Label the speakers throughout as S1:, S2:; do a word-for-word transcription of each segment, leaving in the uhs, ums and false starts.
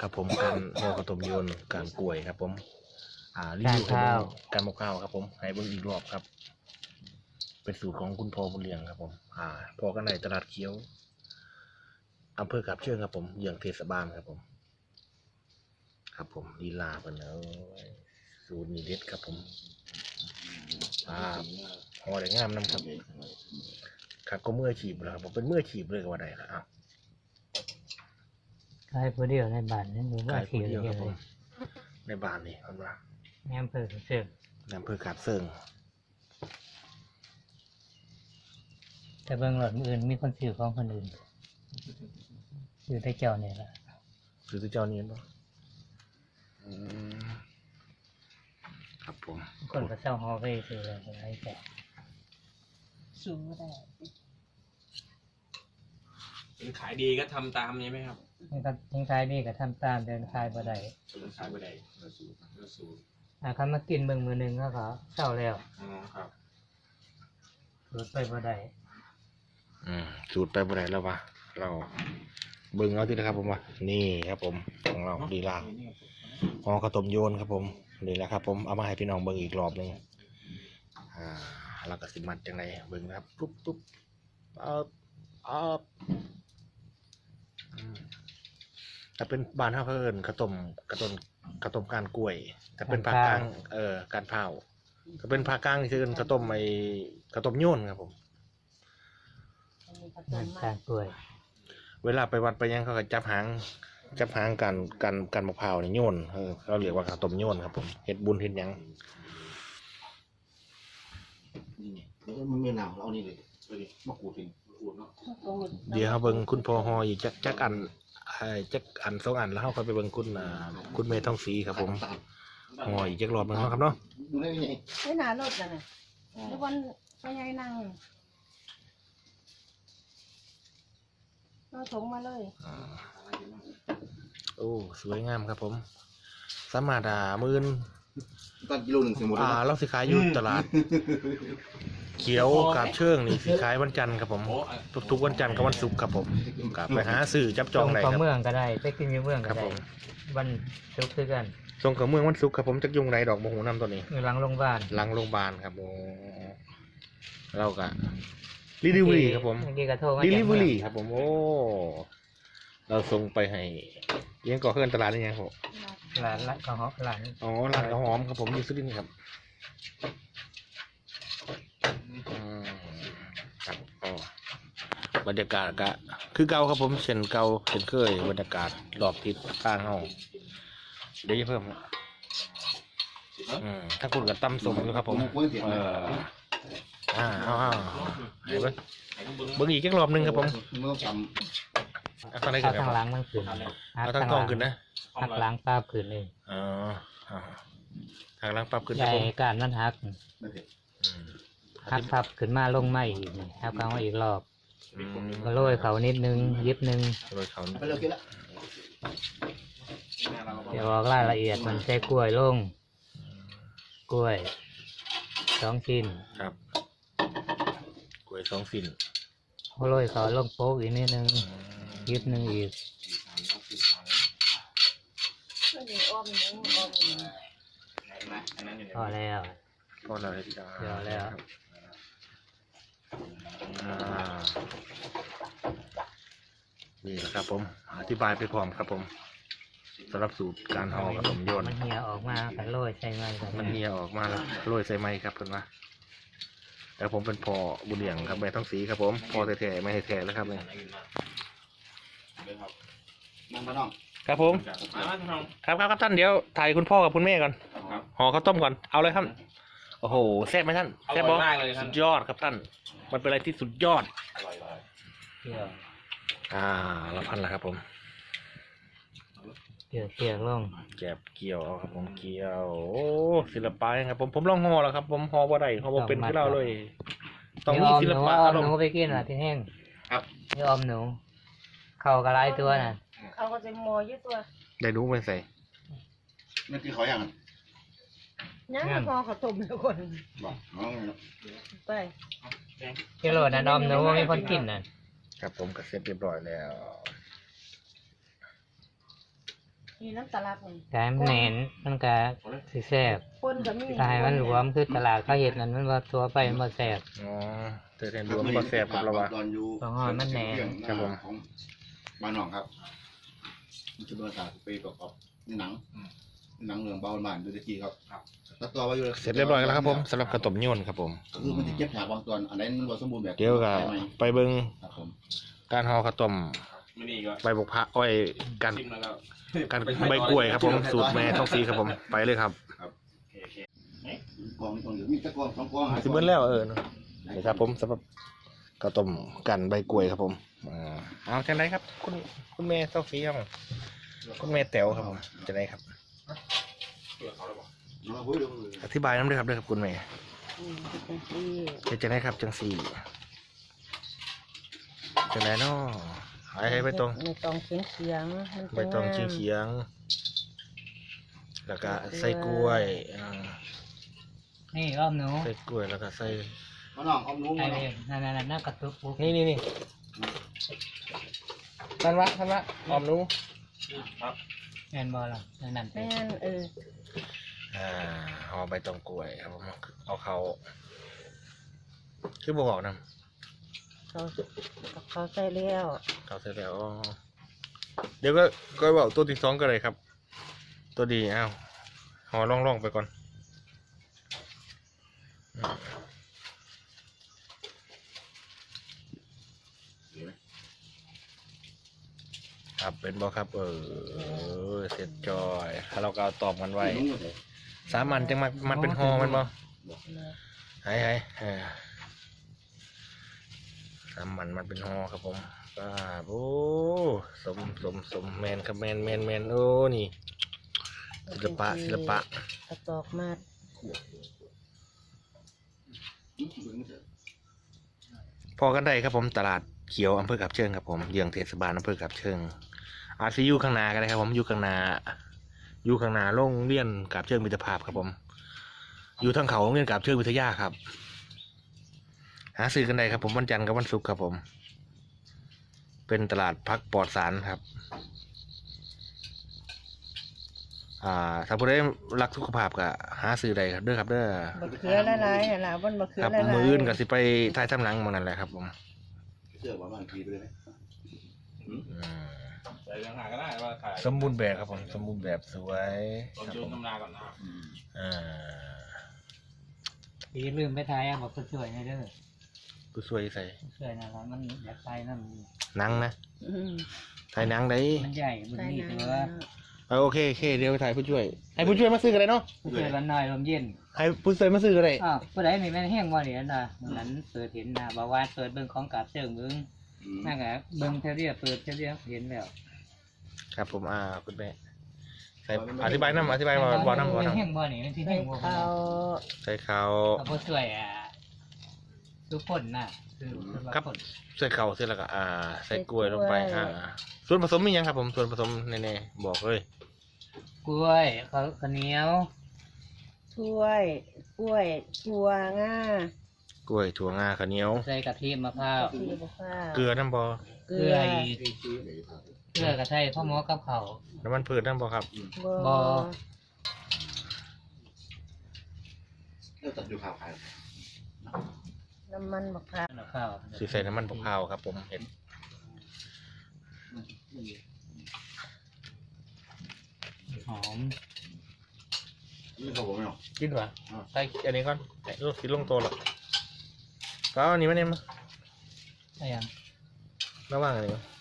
S1: ครับผมการห่อกระต้มโยนการกล้วยครับผมอ่ารีวิวให้เบิ่งการหมกข้าวครับผมให้เบิ่งอีกรอบครับเป็นสูตรของคุณพ่อบุญเลี้ยงครับผมอ่าพ่อกันในตลาดเขียวอำเภอกาบเชิงครับผมเยื้องเทศบาลครับผมครับผมลีลาเป็นแล้วสูตรนี้เด็ดครับผมอ่าห่อได้งามน้ำครับครับก็เมื่อฉีบแล้วครับผมเป็นเมื่อฉีบเลยก็ว่าได้ครับอ้าว
S2: ขายผู้เดียวในบ้านนั่นหรือว่า
S1: ขาย
S2: ที่
S1: ผู้เดียว
S2: เดี
S1: ค
S2: ย
S1: รั
S2: ว
S1: บผ
S2: เล
S1: ม
S2: ย
S1: ในบ้านนี่ครับว่า
S2: แอมเภอเสือก
S1: ในอำเภอกาบเซิง
S2: แต่เบื้องหลังอื่นมีคนซื้อของคนอื่นซื้อได้เจ้าเนี่ยละ
S1: คือที่เจ้านี้เนาะครับผม
S2: คนก็เช่าฮอลเว่ซื้อเลยอะไรแต่
S3: สูงก็ได้
S4: เป็นขายดีก็ทำตามนี้ไหมครับ
S2: นี่ก็ทิ้งขายนี่ก็ทำตามเดินขายบ่ได้
S4: ขายไปได้เนื้อสูตรเนื้อสูตร
S2: อ่าคันมากินเบิ่งมือหนึงก็เขาเช่าแล้ว
S4: อ๋อครับ
S2: รถไปบ่ได้
S1: อืมสูตรไปบ่ได้แล้ววะเราเบิ่งเอาที่นะครับผมว่านี่ครับผมของเราดีลาห่อข้าวต้มโยนครับผมนี่แหละครับผมเอามาให้พี่น้องเบิ่งอีกรอบหนึงอ่าแล้วก็สิมัดจังไรเบิ่งนะครับปุ๊บปุ๊บเอาเอาอืมถ้าเป็นบ้านเฮาเขาเอิ้นข้าวต้มข้าวต้มข้าวต้มก้านกล้วยถ้าเป็นภาคกลางเอ่อการเผาถ้าเป็นภาคกลางนี่คือเอิ้นข้าวต้มไอ้ข้าวต้มโยนครับผม
S2: เงินการกล้วย
S1: เวลาไปวัดไปยังเขาก็จับหางจับหางกันกันกันมะพร้าวนี่โยนเออเขาเรียกว่าข้าวต้มโยนครับผมเฮ็ดบุญเฮ็ดหยัง
S5: นี่ไงแล้วมันไม่หนาวเราเอานี่เลยมะกรูดเองมะกรูดเนาะ
S1: เดี๋ยวเขาเบิ่งคุณพ่อฮออีกจักจักอันไอ้จักอันสองอันแล้วเขาค่อยไปเบิ่งคุณอ่าคุณเมย์ทองศรีครับผมฮออีกจักรอบหนึงเนาะครับเนาะ
S5: ดูได้ยังไง
S3: ไม่น่ารถนะเนี่ยทุกวันไปยังนั่งเราถงมาเลย
S1: อ่าโอ้สวยงามครับผมสามารถอ่ามื่น
S5: ตันกิโลหนึ่งเสียหมด
S1: อ่า
S5: แล้ว
S1: เราสิขายอยู่ตลาด เขียวกาบเชิงนี่สิขายวันจันทร์ครับผมทุกๆวันจันทร์กับวันศุกร์ครับผมกลับไปหาซื้อจับจองได้
S2: ข
S1: ค
S2: อ
S1: รับ
S2: เมืองก็ได้ไปกินอยู่เมือง
S1: ค
S2: ก็
S1: รับ
S2: ได้
S1: ผม
S2: วันศุกร์คือกัน
S1: ส่งกับเมืองวันศุกร์ครับผมจักยุงไรดอกโมโหน้ำตัวนี้
S2: อยู่หลังโรงพยาบาล
S1: หลังโรงพยาบาลครับโอ้เรากะรีดิวรี่ครับผม
S2: เมื่อกี้ก็โทรมา
S1: รี
S2: จาก
S1: ดิว
S2: เมือง
S1: รี่ครับผมโอ้เราส่งไปให้เลี้ยงก่อเพื่อนตลาดนี่ยังครับ
S2: หลานละก็ฮอหลาน
S1: อ๋อร้านข้าวหอมครับผมอยู่สุรินทร์ครับอืมครับอ๋อบรรยากาศกะคือเก่าครับผมเช่นเก่าเช่นเคยบรรยากาศรอบทิศทางเฮาเดี๋ยวจะเพิ่มครับอืมถ้าคุณกับตำสมอยู่ครับผมเอออ่าเอาเอาให้เบิ้งเบิ้งอีกจักรอบหนึงครับผม
S5: เมื่อจ
S1: เอาทางไหน
S2: เอา
S1: ขึ้นค
S2: ทางห
S1: รั
S2: ลั
S1: บ
S2: งมันขึ้น
S1: เอาทางทองขึ้นนะ
S2: หักหลังปลาขึ้นเลย
S1: อ๋ออ่าทางล่างปรับขึ้น
S2: ให
S1: ครับ
S2: ญ่
S1: ผม
S2: การมันหัก
S5: ำไม่เผ็ด
S1: อืม
S2: หักพับขึ้นมาลงไม่อีกนี่หักกลางมาอีกรอบ
S1: อืม
S2: ก็โรยเขานิดนึงยิบนึง
S1: โรยเขา
S5: ไปเร็วกินละ
S2: เดี๋ยวบอกรายละเอียดมันใช้กล้วยลงกล้วยสองชิ้น
S1: ครับกล้วยสองสิ้น
S2: โรยเขาลงโป๊กอีกนิดนึงยิบนึงอีก
S3: ก็อยู่อ้อมหนึ่งอ้อมหนึ่ง
S2: พอแล้ว
S1: พอเราได้จ้า
S2: เดี๋ยวแล้ว
S1: อ่านี่แหละครับผมอธิบายไปพร้อมครับผมสำหรับสูตรการห่อกับผมโยน
S2: มันเหี่ยออกมากันโรยใส่ไม้กัน
S1: มันเหี่ยออกมาแล้วโรยใส่ไม้ครับเพื่อนว่าแต่ผมเป็นพ่อบุญเลี้ยงครับแม่ต้องสีครับผมพ่อแท้ๆไม่ให้แท้แล้วครับเนี่ย
S5: นั่งมาน้อง
S1: ครับผม
S4: มามาทอง
S1: ครับครับครับท่านเดี๋ยวถ่ายคุณพ่อกับคุณแม่ก่อน
S4: ครับ
S1: ห่อข้าวต้มก่อนเอาเลยครับโอ้โหแซ่บไหมท่าน
S4: อ
S1: แซ่บ
S4: ร่
S1: บ
S4: อ
S1: อย
S4: มากเลยท่า
S1: สุ
S4: น
S1: ดยอดครับท่านมันเป็นอะไรที่สุดยอด
S4: อร่อยเลย
S2: เกี่ยว
S1: อ่าละพันละครับผม
S2: เกี่ยวเกี่ยวลง
S1: แกบเกี่ยวเอาครับผมเกี่ยวโอ้ศิลปะครับผมผมลองห่อแล้วครับ ผมห่อบ่ได้ห่อบ่เป็นคือเราเลย ต้องมีศิลปะ
S2: อ
S1: อา
S2: อม
S1: ร
S2: ห
S1: ม
S2: นู
S1: ณ์
S2: ไปกินอ่ะที่แห้ง
S5: ครับ
S2: นี่ออมหนู เข่ากระไรตัวน่ะ
S3: เขาก็จะมอยึดตัว
S1: ได้รู้ไหมใส่
S5: นั่นคือเขาอย่างนั้น
S3: ยังพอเขาตุ่มทุกคน
S5: บอกน้องเนาะ
S3: ไป
S2: กิโลน่ะออมหนูว่ามีคนกินน่ะ
S1: ครับผมก็เสร็จเรียบร้อยแล้ว
S3: นี่น้ำตาลักนี่
S2: กายมันแหนนมันก็สิแซ่บ
S3: คนก็มี
S2: ถ้าให้มันหลวมคือตลาดเขาเฮ็ดนั่นมันบ่ตัวไปมันบ่แซ่บ
S1: อ๋อเตยแทนรวมบ่แซ่บครับเราว่า
S5: ตอนอยู่
S2: ของอ่อนมันแหน่
S1: ครับผม
S5: ของบ้านหนองครับมันจะเป็นภาษาสเปนกับนี่หนังหนังเรื่องเบาหวานดูตะกี้ครับตัดต่อไว้อยู่
S1: เสร็จเรียบร้อยแล้วครับผมสำหรับกระต้มยวนครับผม
S5: คือมันจะเก็บฉากบางตอนอันไหนมันบ่สมบูรณ์แบบ
S1: เดี๋ยวก็ไปเบิ่ง
S5: ครับผม
S1: การห่อข้าวต้ม
S4: ไม่นี่ก็
S1: ใบบกพระอ้อยการ
S4: ชิมแล้วก็
S1: การใบกล้วยครับผมสูตรแม่ท้องสีครับผมไปเลยครับ
S5: กองกองอยู่มีตะกองสองกอง
S1: สิเบิ้ลแล้วเออนี่ครับผมสำหรับข้าวต้มกันใบกล้วยครับผมอ่าเอาจังไรครับคุณคุณแม่ท้องสีครับผมคุณแม่แต๋วครับผมจังไรครับ
S5: น้องพูดดู
S1: อธิบายน้ำด้วยครับด้วยครับคุณแม่
S3: อืมเป็นที่
S1: เป็นจังไรครับจังสี่จังไรเนาะหายให้ไปตรง
S3: ในตองเขียงเขียงๆมัน
S1: ใบตองเฉียงเฉียงๆแล้วก็ใส่กล้วยอ่า
S2: นี่อ้อมหนู
S1: ใส่กล้วยแล้วก็ใส่
S5: มาน้องเอาหนู
S2: ไอ้
S5: มา
S2: เองนั่นๆๆน่ากระตุกปุ๊บ
S1: นี่นี่นี่ทันวะทันวะหอมหนู
S2: แม่นบ่ล่ะนั่นๆไป
S3: แม่นเออ
S1: อ่าห่อใบตองกล้วยครับผมเอาเขาคือบอกนะ
S3: เขาเขาใส่แล้ว
S1: เขาเสร็จแล้วอ๋อเดี๋ยวก็ก็บอกตัวที่สองก็เลยครับ ตัวดีอ้าวห่อล่องๆไปก่อนอืมครับเป็นบอครับ เออเสร็จจอยถ้าเราก็เอาตอบกันไว้สามันจังมันมันเป็นห่อมันบอหายหายเออสามันมันเป็นห่อครับผมป้าโอ้สมสมสมแมนครับแมนแมนแมนโอ้นี่ศิลปะศิลปะ
S3: กระตอกมาด
S1: พอกันได้ครับผมตลาดเขียวอำเภอกับเชิงครับผมเยื้องเทศบาลอำเภอกับเชิงอาซีอยู่ข้างหน้ากันเลยครับผมอยู่ข้างหน้าอยู่ข้างหน้าโรงเรียนกับเชิงมิตรภาพครับผม อยู่ทางเขาโรงเรียนกับเชิงวิทยาครับ หาซื้อกันได้ครับผมวันจันทร์กับวันศุกร์ครับผม เป็นตลาดพักปลอดสารครับ อ่าถ้าผู้ใดรักสุขภาพก็หาซื้อได้ครับเด้อครับเด้อ
S3: บะเขือละลายน่ะล่ะวันบะเขือ
S1: ครับ
S3: ละลาย
S1: มืออื่นก็สิไปท้ายทำหนังหมองนั่นแหละครับผม
S5: เสื้อว่าบางทีไปเลยไหม
S1: อืม
S4: ใส่ยังหาก็ได้ว่าถ่าย
S1: สมบูรณ์แบบครับผมสมบูรณ์แบบสวย
S4: ต้อง
S1: ครับ
S4: โย
S1: ผ
S4: น
S1: ม
S4: ตำนาก่อนนะครับ
S1: อ่า
S2: อย่าลืมไปทายอ่ะบอกผู้ช่วยให้เด้อ
S1: ผู้ช่วยใส่
S2: ผู้ช่วยนั่นล่ะมันอยากใส่นั่น
S1: หนังนะ
S3: อืม
S1: ถ่ายหนังได้
S2: มันใหญ่บุญ
S3: ใส่
S2: นี่
S3: น้
S2: แต่ว่า
S1: เออโอเคโอเคเดี๋ยวไปถ่ายผู้ช่วยให้ผู้ช่วยมาซื้อกันเลยเนาะ
S2: ผู้ช่วยวันน้อยลมเย็น
S1: ให้ผู้ช่วยมาซื้อกันเลย
S2: อ้าวผู้ใดนี่แม่นแห้งบ่นี่อันน่ะมื้อนั้นเปิดเห็นน่ะบอกว่าเปิดเบิ่งของกราบเชิงเบิ่งนั่นก็เบิ่งเท่าเดียวเปิดเท่าเดียวเห็นแล้ว
S1: ครับผมอ่าคุณแม่ใส่อธิบายน้ำอธิบายมาบอกน้ำบอก
S2: แม่น
S1: น้
S2: แห้งบ่นี่มันสิ
S3: ำใส่
S2: แห้งบ่
S3: ข้าว
S1: ำใส่เขา
S2: เอาผู้ช่วยอ่ะทุกคนน่ะคือคือว่าคน
S1: ใส่เขาเสร็จแล้วก็อ่า ใส่กล้วยลงไปอ่าส่วนผสมมีหยังครับผมส่วนผสมแน่ๆบอกเลย
S2: กล้วยข้าวข้าวเหนียว
S3: ถ้วยกล้วยถั่วงาก
S1: ล้วยถั่วงาข้าวเหนียว
S2: ใส่กะทิมะพร้าว
S3: ที่บะข้าว
S1: เกลือน้ำบอ
S3: เก
S2: เก
S3: ลื
S2: ลื
S3: อ
S2: ออีกเกลือกระไทยพ่อหมอกับเขาว
S1: น้ำมันพืชน้ำบอครับ
S3: บ่
S2: บ่
S5: แล้วตัดอยู่ข่าวขาย
S3: น้ำมันบะข้าว
S2: กับข้าว
S1: สีใส่น้ำมันบกพร้าวครับผมเห็น
S2: หอม
S5: นี่เขาบอกไม่หรอก
S1: กินวะใส่อันนี้ก่อนไอ้ลูกสีลงตัวหรอกก็เอาอันนี้มาเนี่ยมา
S2: อะไรอย่าง
S1: ระว่างอันนี้มา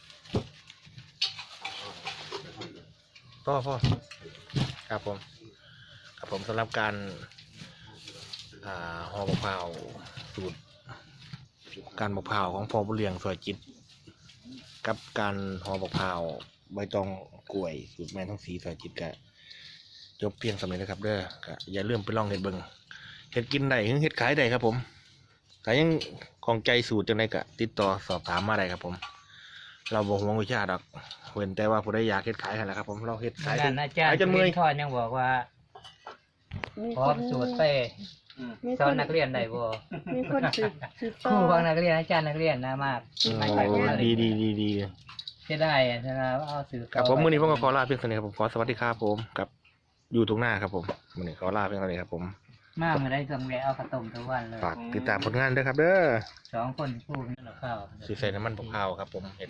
S1: พ่อพ่อครับผมครับผมสำหรับการอ่าห่อมะพร้าวสูตรการมะพร้าวของพ่อบุญเลียงสวยจิต กับการห่อมะพร้าวใบตองกล้วยสูตรแม่ท้องสีสวยจิตกะจบเพียงสำเร็จนะครับเด้อก็อย่าลืมไปลองเห็ดเบิงเห็ดกินได้หรือเห็ดขายได้ครับผมถ้ายังของใจสูตรจังไดก็ติดต่อสอบถามมาได้ครับผม เราบ่ห่วงวิชาดอกเว้นแต่ว่าผู้ใดอยากเฮ็ดขายกันแหละครับผมเราเฮ็ดขายจ
S2: ด้าน นอาจาร
S1: ขา
S2: ย์
S1: ยจนเมื่อย
S2: ทอดยังบอกว่า
S3: มี
S2: พร้อมสูตรไป
S3: มี
S2: สอนนักเรียนได้บ่
S3: มีคนสืบสืบ
S2: ค
S3: ต่
S2: รู
S3: อ
S2: ของนักเรียนอาจารย์นักเรียนนะมาก
S1: โอ้ดีดีดีดี
S2: จะได้อะถ้าเราเอาสื่อ
S1: ครับผมมื้อนี้ผมก็ขอลาเพียงเท่านี้ครับผมขอสวัสดีครับผมกับอยู่ตรงหน้าครับผมมื้อนี้ขอลาเพียงเท่านี้ครับผม
S2: มาเมื่อได้ต้องแวะเอาข้าวต้มทุกวันเลย
S1: ฝากติดตามผลงานด้วยครับเด้อ
S2: สองคนคู่นี่เราข้าว
S1: สีใส่น้ำมันพกข้าวครับผมเห็น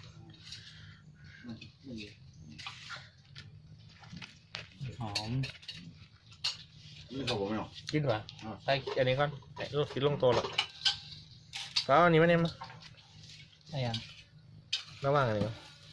S2: หอม
S5: นี่เขาบอกไม่หรอก
S1: กินวะใส่อันนี้ก่อนไอ้ลูกกินลงตัวหรอกก็เอาอันนี้มาเนี่ยมา
S2: อะไรอย่าง
S1: ระว่างอันนี้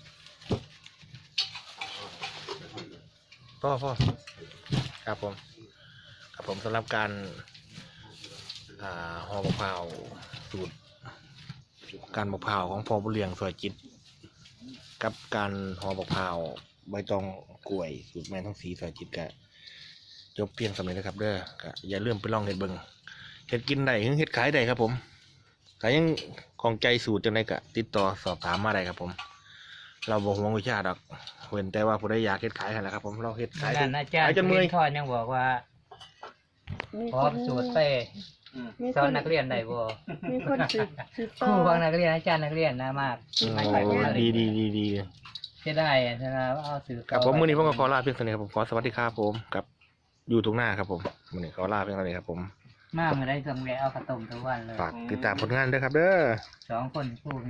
S1: พ่อพ่อครับผมครับผมสำหรับการอ่าห่อมะพร้าวสูตรการมะพร้าวของพ่อบุญเลียงสวยจิต กับการห่อมะพร้าวใบตองกล้วยสูตรแม่ท้องสีสวยจิตกะจบเพียงสำเร็จนะครับเด้อก็อย่าลืมไปลองเห็ดเบิงเห็ดกินได้หรือเห็ดขายได้ครับผมถ้ายังของใจสูตรจังไดก็ติดต่อสอบถามมาได้ครับผม เราบอกห่วงวิชาดอกเว้นแต่ว่าผู้ใดอยากเห็ดขายกันแหละครับผมเราเห็ดขาย
S2: งานอาจาร
S1: ขา
S2: ย์
S1: ยจนเมื่อย
S2: ทอดยังบอกว่า
S3: มี
S2: พร้อ
S3: ค
S2: ม
S3: น
S2: สูตรเต้
S3: มี
S2: ส
S3: ค
S2: อน
S3: น
S2: นักเรียนได้บ่
S3: มีคนสืบสืบ
S2: ค
S3: ต่อ
S2: รูบางนักเรียนอาจารย์นักเรียนนะมาก
S1: โอ้ดีดีดีดี
S2: จะได้อะถ้าเราเอาสื่อ
S1: ครับผมมื้อนี้ผมก็ขอลาเพียงเท่านี้ครับผมขอสวัสดีครับผมกับอยู่ตรงหน้าครับผมมื้อนี้ขอลาเพียงเท่านี้ครับผม
S2: มาเมื่อได้ต้องแวะเอาข้าวต้มทุกวันเลย
S1: ฝากติดตามผลงานด้วยครับเด้อ
S2: สองคนคู่